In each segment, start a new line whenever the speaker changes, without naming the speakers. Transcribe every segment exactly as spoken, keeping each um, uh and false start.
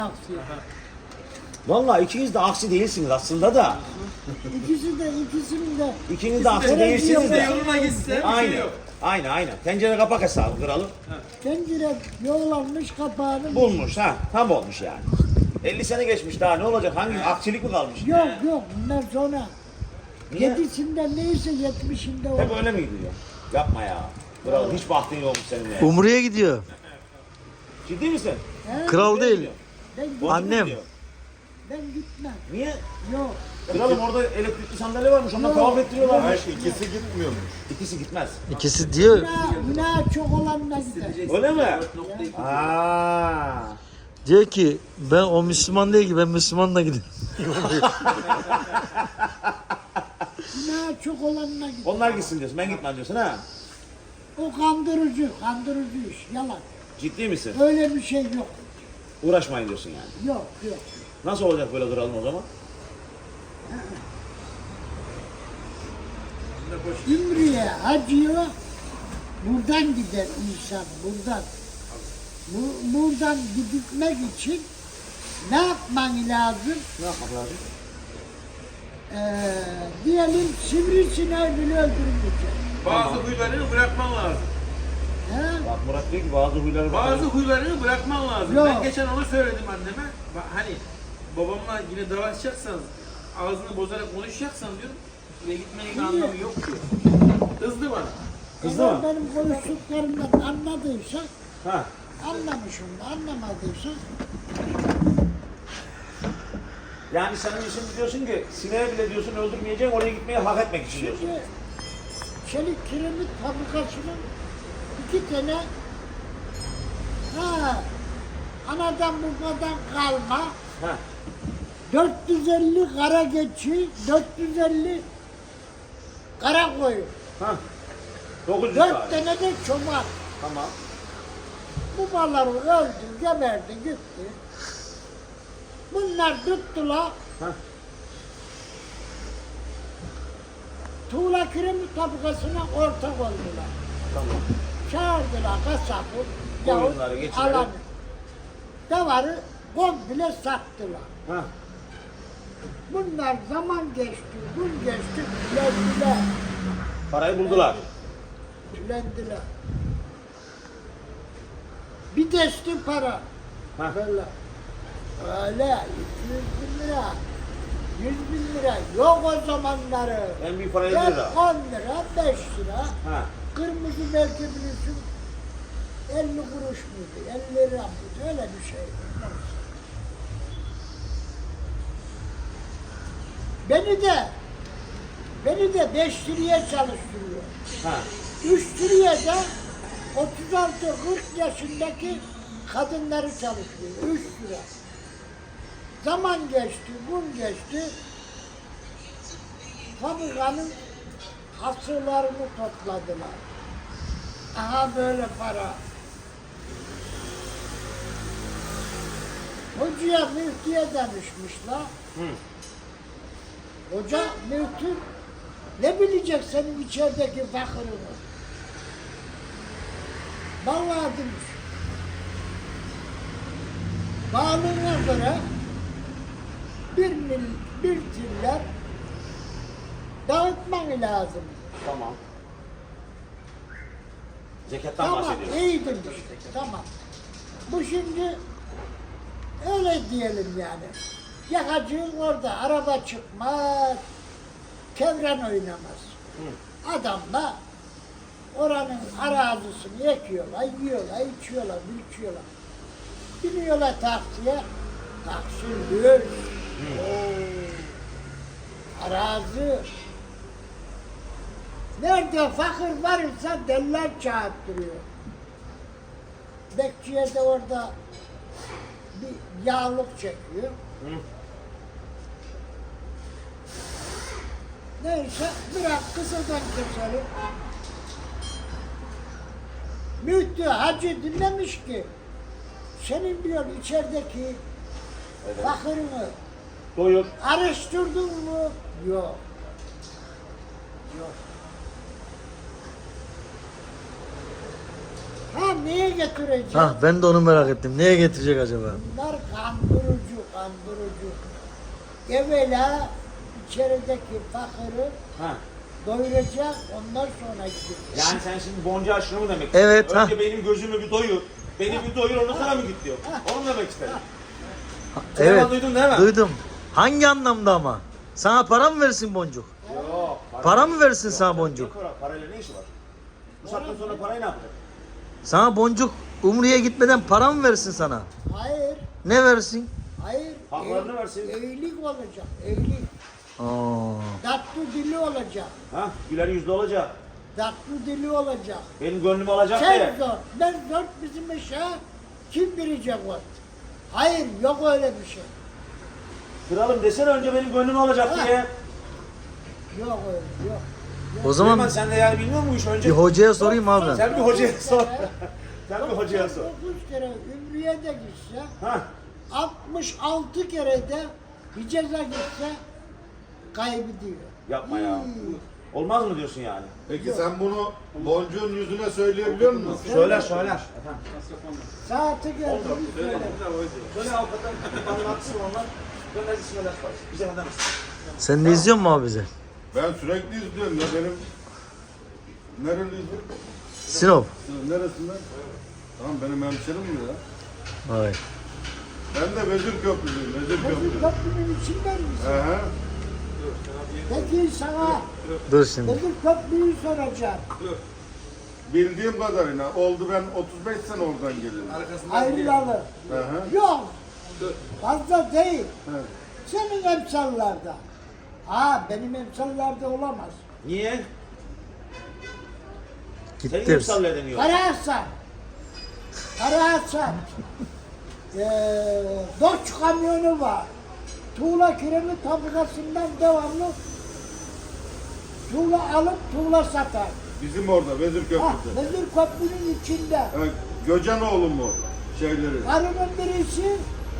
aksi.
Vallahi ikiniz de aksi değilsiniz aslında da.
İkisi de ikisinin de
İkiniz de aksi
Ikisi de
değilsiniz de.
Yoluna gitse bir şey
Aynen.
yok.
Aynen aynen. Tencere kapak hesabı kralım.
tencere yoğlanmış kapağını
Bulmuş ha. Tam olmuş yani. elli sene geçmiş daha ne olacak? Hangi aksilik mi kalmış?
yok yok bunlar sonra
Niye?
yedisinde neyse yetmişinde
Hep
oldu.
öyle mi gidiyor? Yapma ya. Kralım hiç bahtın yokmuş senin ya.
Umre'ye gidiyor.
Ciddi misin?
He?
Kral
Nereye
değil.
gidiyor?
Ben,
Bozuk
Annem.
mu gidiyor?
ben gitmem.
Niye?
Yok.
Kralım orada elektrikli sandalye varmış. Ondan
Yok.
tavaf ettiriyorlar.
Hayır, ikisi gitmiyormuş.
İkisi gitmez.
İkisi diyor.
Günah, günah çok olanla gider.
Öyle mi? Aa.
Diyor ki ben o Müslüman değil ki ben Müslümanla gidiyorum.
Günah çok olanla gider.
Onlar gitsin diyorsun. Ben gitmem diyorsun ha.
O kandırıcı, kandırıcı iş, yalan.
Ciddi misin?
Öyle bir şey yok.
Uğraşmayın diyorsun yani.
Yok, yok.
Nasıl olacak böyle kralım o zaman?
Ümriye, hacıya buradan gider insan, buradan. Bu, buradan gitmek için ne yapman lazım?
Ne yapmak lazım?
Ee, diyelim sivrisineği bile öldürmeyecek.
Bazı huylarını bırakman lazım.
He?
Bak Murat diyor ki bazı huyları
Bazı huylarını bırakman lazım.
Yok.
Ben geçen onu söyledim anneme. Ba- Hani babamla yine dalaşacaksanız, ağzını bozarak konuşacaksan diyorum, ve gitmenin bir anlamı yok diyor. Kızdı bana.
Kızdı
Eğer
mı?
benim konuştuklarımdan anladıysan,
Ha.
anlamışım da anlamadıysan,
Yani senin için diyorsun ki sineği bile diyorsun öldürmeyeceğim oraya gitmeyi hak etmek için diyorsun.
şimdi çelik kiremit fabrikasının iki tane ha, anadan babadan kalma
Ha.
dört yüz elli kara geçi, dört yüz elli kara koyun,
Ha. dokuz yüz
dört
tane.
tane de çoban.
Tamam.
Bu malları öldü, geberdi, gitti. Bunlar tuttular,
Ha.
tuğla kiremit fabrikasına ortak oldular.
Tamam.
Çağırdılar kasabı,
Koyunları
yahut
geçirelim.
alanı. Davarı komple sattılar.
Ha.
Bunlar zaman geçti, gün geçti, tülendiler.
Parayı buldular.
Tülendiler. Bir desti para.
Ha.
Böyle. Öyle iki yüz bin lira, yüz bin lira yok o zamanları.
En büyük para elli
Hep
lira.
on lira, beş lira.
Ha.
Kırmızı belki bilirsin elli kuruş muydu, elli lira mıydı, öyle bir şey. Beni de, beni de beş liraya çalıştırıyor.
Ha.
Üç liraya da otuz altı kırk yaşındaki kadınları çalıştırıyor. Üç lira. Zaman geçti, gün geçti. Fabrikanın hasırlarını topladılar. Aha böyle para. Hocaya müftüye demişmişler.
Hı.
Hoca müftü ne bilecek senin içerideki fakırını? Vallahi demiş. Bağlığına göre bir mil, bir tiller dağıtman lazım.
Tamam. Zekattan
Tamam,
bahsediyorsun.
iyi demiş. Tamam. Bu şimdi öyle diyelim yani. Yakacığın orada, araba çıkmaz, kevren oynamaz.
Hı.
Adamla oranın arazisini ekiyorlar, yiyorlar, içiyorlar, içiyorlar. Biniyorlar taksiye, taksi lüks. Oo, arazi. Nerede fakir varsa deller çağırttırıyor. Bekçiye de orada bir yağlık çekiyor.
Hı.
Neyse bırak kısadan keselim. Müftü hacı dinlemiş ki senin diyor içerideki
Evet.
fakirini
Doyur.
araştırdın mı? Yok. Yok. Ha neye getireceğim?
Ha ben de onu merak ettim. Neye getirecek acaba?
Bunlar kandurucu, kandurucu. Evvela içerideki fakiri
Ha.
doyuracak, ondan sonra gidecek.
Yani sen şimdi boncuğa şunu mu demek
Evet,
istiyorsun? Önce
ha.
benim gözümü bir doyur. Beni bir doyur, ondan sonra mı git diyor. Onu mu demek istedim?
Evet.
Duydun değil mi?
Duydum. Hangi anlamda ama? Sana para mı versin boncuk?
Yok.
Para mı versin sana boncuk?
Yok, para- parayla ne işi var? Bu saatten sonra parayı ne yapacak?
Sana boncuk Umre'ye gitmeden para mı versin sana?
Hayır,
Ne versin?
hayır.
Haklarını
ev-
versin.
Evlilik olacak, evlilik.
Aa.
Tatlı dili olacak,
Ha? Güler yüzlü olacak.
tatlı dili olacak.
Benim gönlümü alacak
Sen
diye.
zor, ben zor bizim işe kim bilecek o? Hayır, yok öyle bir şey.
Kralım desene önce benim gönlümü alacak
Ha.
diye.
Yok öyle, yok.
O
Süleyman
zaman
sen de yani bilmiyor musun bu işi önce?
bir hocaya sorayım abi ben.
Sen bir hocaya
Dokuz
sor.
kere-
Sen bir hocaya sor.
dokuz kere Ümriye de gitse,
Ha?
altmış altı kere de Hicaz'a gitse kaybediyor.
Yapma ya.
Hmm.
Olmaz mı diyorsun yani?
Peki sen bunu boncuğun yüzüne söyleyebiliyor musun?
Söyler söyler. Efendim.
Saati geldi. biz
Söyle.
söyle.
Böyle avukatlar anlatsın onlar. Gönder gitsin öder parası. Bize kadar mısın?
Sen de izliyor musun abi bizi?
Ben sürekli izliyorum ya benim. Nereliyiz?
Sinop.
Neresinden? Tamam benim hemşerim mi ya?
Vay.
Ben de Vezir Köprülüyüm, Vezir
Bizim
Köprülü.
köprünün içinden misin?
Hı hı.
Peki sana
Dur şimdi.
bizim köprüyü soracağım.
Bildiğim kadarıyla oldu ben otuz beş sene oradan geliyorum.
Ayrılalı.
Hı hı.
Yok. Fazla değil.
Evet.
Senin emsallarda. Ha benim emsallarda olamaz.
Niye? Senin
Gitti.
emsalle deniyor.
Karahasan. Karahasan. Eee Doç kamyonu var. Tuğla kiremit fabrikasından devamlı tuğla alıp tuğla satar.
Bizim orada Vezir
Ha,
Köprü'de.
Vezir Köprü'nün içinde.
Evet, Göcenoğlu mu şeyleri?
Karımın birisi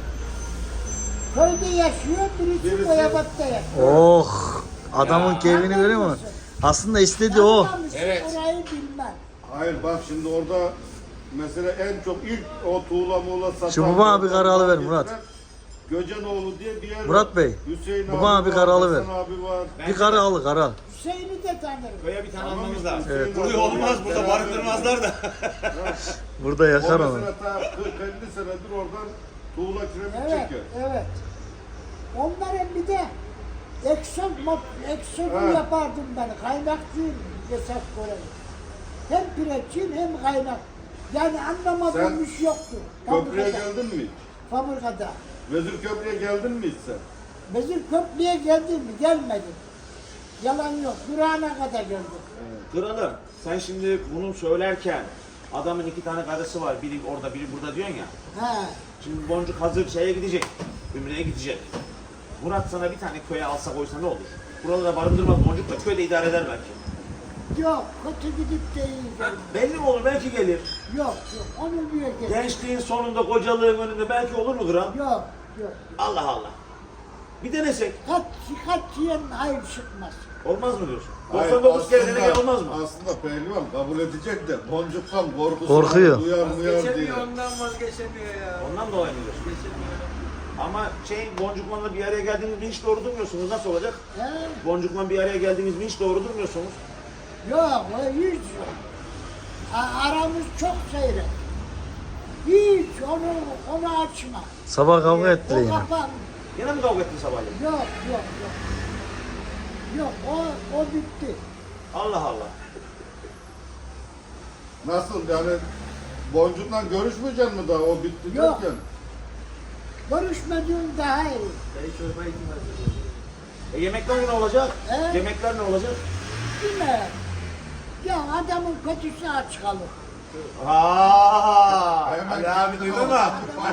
köyde yaşıyor, birisi,
Birisi-
Boyabat'ta yaşıyor.
Oh. Adamın keyfini görüyor musun? Aslında istediği o.
Anlamışsın,
Evet.
orayı bilmem.
Hayır bak şimdi orada mesela en çok ilk o tuğla muğla satan...
Şu baba abi kararı ver Murat.
Göcenoğlu diye bir yer
Murat
var.
Bey,
Hüseyin
baba
abi,
abi
var,
kararı ver.
Hasan abi var.
Bir kara al kara.
Hüseyin'i de tanırım.
Köye bir tane
Tamam,
almamız lazım.
Evet.
Burayı olmaz burada barındırmazlar da.
Burada
O
yakar onu.
mesela ta kırk elli senedir oradan tuğla kiremit
Evet,
çeker.
evet. Onların bir de ekson, eksodu
Ha.
yapardım ben. Kaynakçıyım esas görevi. Hem pireççiyim hem kaynak. Yani anlamadığım
Sen
iş yoktu.
Köprüye
Fabrikada.
geldin mi?
Fabrikada.
Vezir Köprü'ye geldin mi hiç sen?
Vezir Köprü'ye geldim mi? Gelmedim. Yalan yok. Durağına kadar geldim.
Kralım sen şimdi bunu söylerken adamın iki tane karısı var. Biri orada biri burada diyorsun ya.
He.
Şimdi boncuk hazır şeye gidecek. Ümre'ye gidecek. Murat sana bir tane köye alsa koysa ne olur? Buralara barındırmaz boncuk da köyde idare eder belki.
Yok, kötü gidip de iyi geldim.
Belli mi olur? Belki gelir.
Yok, yok. Onu diye geldim.
Gençliğin sonunda, kocalığın önünde belki olur mu kral?
Yok, yok.
Allah Allah. Bir denesek.
Kaç, kaç yiyen hayır çıkmaz.
Olmaz mı diyorsun?
Hayır,
doksan dokuz kere
aslında-
denemek olmaz mı?
Aslında pehlivan kabul edecek de boncuktan korkusu
Korkuyor.
var, duyar muyar diye.
Vazgeçemiyor ondan vazgeçemiyor ya.
Ondan dolayı mı diyorsun?
Vazgeçemiyor.
Ama şey boncukmanla bir araya geldiğiniz mi hiç doğru durmuyorsunuz. Nasıl olacak?
He?
Boncukman bir araya geldiğiniz mi hiç doğru durmuyorsunuz.
Yok, o hiç yok. A- aramız çok seyrek. Hiç onu, onu açma.
Sabah kavga
O
ettiler yine.
kapan.
Yine mi kavga ettin sabahleyin?
Yok, yok, yok. Yok, o, o bitti.
Allah Allah.
Nasıl yani boncukla görüşmeyecek mi daha o bitti
Yok.
derken?
Görüşmediğim daha iyi.
Dayı çorba için
E yemekler ne olacak?
He?
Yemekler ne olacak?
Bilmem. Ya adamın kötüsü aç kalır.
Aa,
Hemen-
Ali abi duydun mu?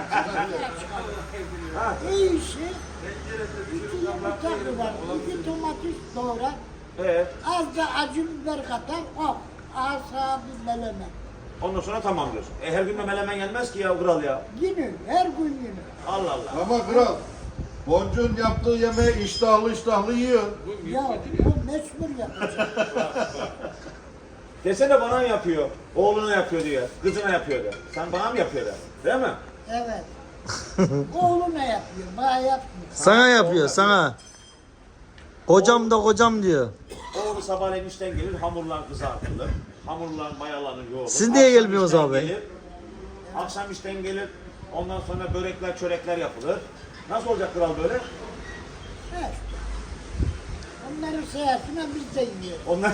İyisi, iki yumurta kırar, iki domates doğrar,
Evet.
az da acı biber katar, hop, asa bir melemen.
Ondan sonra tamam diyorsun. E her gün de melemen gelmez ki ya kral ya.
Yine, her gün yine.
Allah Allah.
Ama kral boncuğun yaptığı yemeği iştahlı iştahlı yiyor.
Ya o mecbur yapacak.
Desene bana mı yapıyor? Oğluna yapıyor diyor. Kızına yapıyor de. Sen bana mı yapıyor de? Değil mi?
Evet. Oğluna yapıyor, bana yapmıyor.
Sana yapıyor sana. Kocam da kocam diyor.
Oğlu sabahleyin işten gelir, hamurlar kızartılır. Hamurlar mayalanır, yoğurulur.
Siz niye
Akşam
gelmiyorsunuz
işten
abi?
gelir, akşam işten gelir, ondan sonra börekler, çörekler yapılır. Nasıl olacak kral böyle?
Evet. Onları sayesinde biz de yiyoruz.
Onlar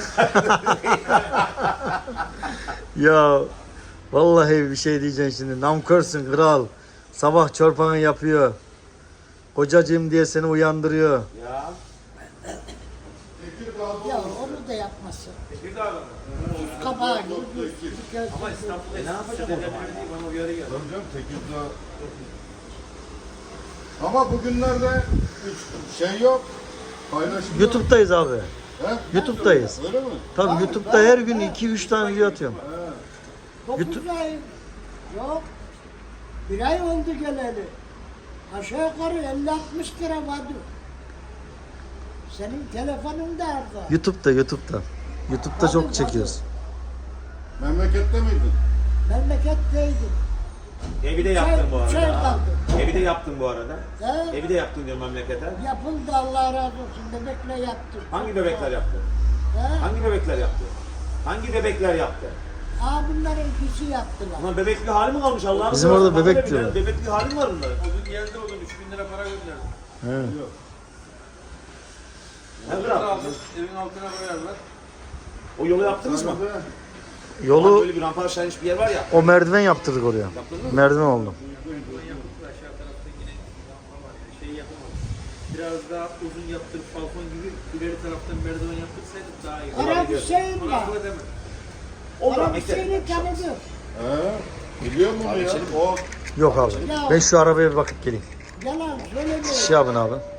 Ya vallahi bir şey diyeceksin şimdi. Namkörsün kral. Sabah çorbanı yapıyor. Kocacığım diye seni uyandırıyor.
ya.
Ya onu da yapmasın.
Tekirdağ'da mı?
Kabağı gibi bir göz.
Ama İstanbul'da
E ne yapacak o zaman?
bana uyarı geldi.
Tabii canım Tekirdağ. Ama bugünlerde hiç şey yok. Paylaşım yok.
YouTube'dayız abi.
He?
YouTube'dayız.
Öyle mi?
Tabii YouTube'da her gün iki üç tane video atıyorum.
Dokuz
YouTube-
ay yok. Bir ay oldu geleli. Aşağı yukarı elli altmış lira vardı. Senin telefonun da orada.
YouTube'da YouTube'da. YouTube'da çok çekiyoruz.
Memlekette miydin?
Memleketteydim.
Evi de yaptın bu
Çay
arada.
kaldı.
Evi de yaptın bu arada.
He?
Evi de yaptın diyor memlekete.
Yapıldı Allah razı olsun. Bebekle yaptım.
Hangi bebekler yaptı?
He?
Hangi bebekler yaptı? Hangi bebekler yaptı?
Aa bunları ikisi yaptılar.
Ulan bebekli hali mi kalmış Allah'ım?
Bizim orada bebek diyorlar.
Bebekli hali mi var bunların?
O gün geldi o gün üç bin lira para gönderdi.
He.
Ne
Bunları
kral?
aldık, evin altına koyarlar.
O yolu yaptınız mı?
Sana da
Ulan
Yolu
böyle bir rampa aşağı iniş bir yer var ya.
o merdiven yaptırdık oraya. Merdiven oldu.
Buradan yaptık da aşağı tarafta yine lampa var. Yani şey yapamadık. Biraz daha uzun yaptırıp balkon gibi ileri taraftan merdiven yaptırsaydık daha iyi.
Arap Hüseyin
Ona
var.
akıl edemem.
Olur
Arap
ama
Hüseyin'i tanıdım.
He? Biliyor musun
Abi
ya?
içelim.
O
Yok abi. Ben şu arabaya bir bakıp geleyim.
Yalan söylemiyorum.
Şey yapın abi.